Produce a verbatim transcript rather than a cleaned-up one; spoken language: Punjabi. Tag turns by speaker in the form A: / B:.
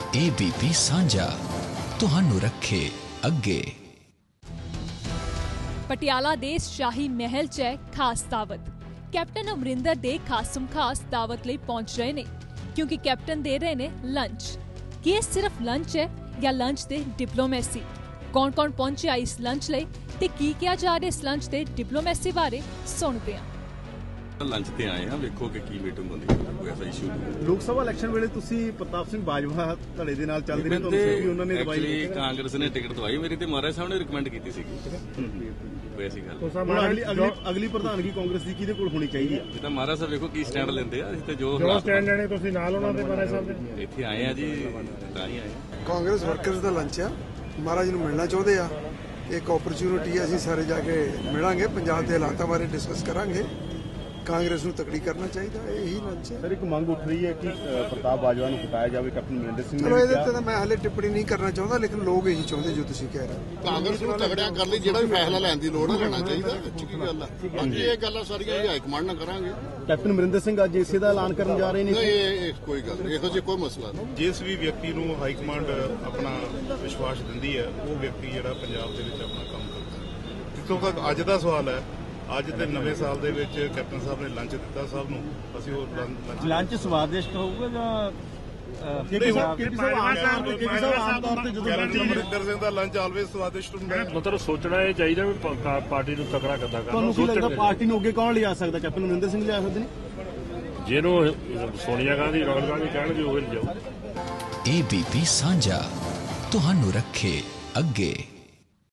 A: एबीपी सांझा तुहानू रखे अगे।
B: पटियाला दे शाही महल च है खास दावत। कैप्टन अमरिंदर दे खासम खास दावत लई पहुंच रहे ने क्योंकि कैप्टन दे रहे ने लंच। कि ये सिर्फ लंच है या लंच दे डिप्लोमेसी? कौन कौन पहुंचा इस लंच लई ते की किया जा रहा इस लंच दे डिप्लोमेसी बारे सुनते हैं।
C: लंच ते आए हैं, वेखो कि की मीटिंग होंदी है, कोई ऐसा इशू नहीं।
D: लोक सभा इलेक्शन वेले तुसी प्रताप सिंह बाजवा धड़े दे नाल चलदे ने, तुहानू भी उन्होंने दवाई
C: एक्चुअली कांग्रेस ने टिकट दवाई मेरी ते महाराज साहब ने रिकमेंड कीती सीगी। कोई ऐसी गल
D: ਹੁਣ ਅਗਲੀ ਅਗਲੀ ਅਗਲੀ ਪ੍ਰਧਾਨਗੀ ਕਾਂਗਰਸ ਦੀ ਕਿਹਦੇ ਕੋਲ ਹੋਣੀ ਚਾਹੀਦੀ ਹੈ?
C: ਇਹ ਤਾਂ ਮਹਾਰਾਜ ਸਾਹਿਬ ਵੇਖੋ ਕੀ ਸਟੈਂਡ ਲੈਂਦੇ ਆ। ਤੇ ਜੋ
E: ਜੋ ਸਟੈਂਡ ਲੈਣੇ ਤੁਸੀਂ ਨਾਲ ਉਹਨਾਂ ਦੇ ਮਹਾਰਾਜ ਸਾਹਿਬ ਦੇ
C: ਇੱਥੇ ਆਏ ਆ ਜੀ, ਤਾਂ ਹੀ ਆਏ ਆ।
F: ਕਾਂਗਰਸ ਵਰਕਰਸ ਦਾ ਲੰਚ ਆ, ਮਹਾਰਾਜ ਨੂੰ ਮਿਲਣਾ ਚਾਹੁੰਦੇ ਆ। ਇੱਕ ਓਪਰਚੁਨਿਟੀ ਅਸੀਂ ਸਾਰੇ ਜਾ ਕੇ ਮਿਲਾਂਗੇ, ਪੰਜਾਬ ਦੇ ਹਾਲਾਤਾਂ ਬਾਰੇ ਡਿਸਕਸ ਕਰਾਂਗੇ। ਕਾਂਗਰਸ ਨੂੰ ਤਕੜੀ ਕਰਨਾ ਚਾਹੀਦਾ, ਇਹੀ ਲੰਚ ਹੈ।
D: ਸਰ ਇੱਕ ਮੰਗ ਉੱਠ ਰਹੀ ਹੈ ਕਿ ਪ੍ਰਤਾਪ ਬਾਜਵਾ ਨੂੰ ਹਟਾਇਆ ਜਾਵੇ, ਕੈਪਟਨ ਅਮਰਿੰਦਰ ਸਿੰਘ ਨੇ।
F: ਚਲੋ ਇਹਦੇ ਤੇ ਤਾਂ ਮੈਂ ਹਾਲੇ ਟਿੱਪਣੀ ਨਹੀਂ ਕਰਨਾ ਚਾਹੁੰਦਾ, ਲੇਕਿਨ ਲੋਕ ਇਹੀ ਚਾਹੁੰਦੇ ਜੋ ਤੁਸੀਂ ਕਹਿ ਰਹੇ।
G: ਕਾਂਗਰਸ ਨੂੰ ਤਗੜਿਆ ਕਰ ਲਈ, ਜਿਹੜਾ ਵੀ ਫੈਸਲਾ ਲੈਣ ਦੀ ਲੋੜ ਹੈ ਲੈਣਾ ਚਾਹੀਦਾ। ਚੰਗੀ ਗੱਲ ਹੈ, ਬਾਕੀ ਇਹ ਗੱਲਾਂ ਸਾਰੀਆਂ ਹਾਈ ਕਮਾਂਡ ਨਾਲ ਕਰਾਂਗੇ।
D: ਕੈਪਟਨ ਅਮਰਿੰਦਰ ਸਿੰਘ ਅੱਜ ਇਸੇ ਦਾ ਐਲਾਨ ਕਰਨ ਜਾ ਰਹੇ ਨੇ।
G: ਨਹੀਂ ਇਹ ਕੋਈ ਗੱਲ ਨਹੀਂ, ਇਹੋ ਜਿਹਾ ਕੋਈ ਮਸਲਾ ਨਹੀਂ।
H: ਜਿਸ ਵੀ ਵਿਅਕਤੀ ਨੂੰ ਹਾਈ ਕਮਾਂਡ ਆਪਣਾ ਵਿਸ਼ਵਾਸ ਦਿੰਦੀ ਹੈ, ਉਹ ਵਿਅਕਤੀ ਜਿਹੜਾ ਪੰਜਾਬ ਦੇ ਵਿੱਚ ਆਪਣਾ ਕੰਮ ਕਰਦਾ ਹੈ। ਜਿੱਥੋਂ ਤੱਕ ਅੱਜ ਦਾ ਸਵਾਲ ਹੈ, ਅੱਜ ਦੇ ਨਵੇਂ ਸਾਲ ਦੇ ਵਿੱਚ ਕੈਪਟਨ ਸਾਹਿਬ ਨੇ ਲੰਚ ਦਿੱਤਾ ਸਭ ਨੂੰ, ਅਸੀਂ ਉਹ ਲੰਚ
D: ਲੰਚ ਸਵਾਦਿਸ਼ਟ ਹੋਊਗਾ ਜਾਂ
H: ਅਮਰਿੰਦਰ ਸਿੰਘ ਦਾ ਲੰਚ ਆਲਵੇਜ਼ ਸਵਾਦਿਸ਼ਟ ਹੁੰਦਾ ਹੈ।
E: ਮਤਲਬ ਸੋਚਣਾ ਇਹ ਚਾਹੀਦਾ ਵੀ ਪਾਰਟੀ ਨੂੰ ਤਕੜਾ ਕਿੱਦਾਂ ਕਰਨਾ।
D: ਤੁਹਾਨੂੰ ਕੀ ਲੱਗਦਾ ਪਾਰਟੀ ਨੂੰ ਅੱਗੇ ਕੌਣ ਲਿਜਾ ਸਕਦਾ? ਕੈਪਟਨ ਅਮਰਿੰਦਰ ਸਿੰਘ ਲਿਜਾ ਸਕਦੇ ਨੇ?
E: ਜਿਹਨੂੰ ਸੋਨੀਆ ਗਾਂਧੀ ਰਾਹੁਲ ਗਾਂਧੀ ਕਹਿਣਗੇ ਉਹ ਲਿਜਾਓ।
A: एबीपी सांझा तुहानू रखे अगे।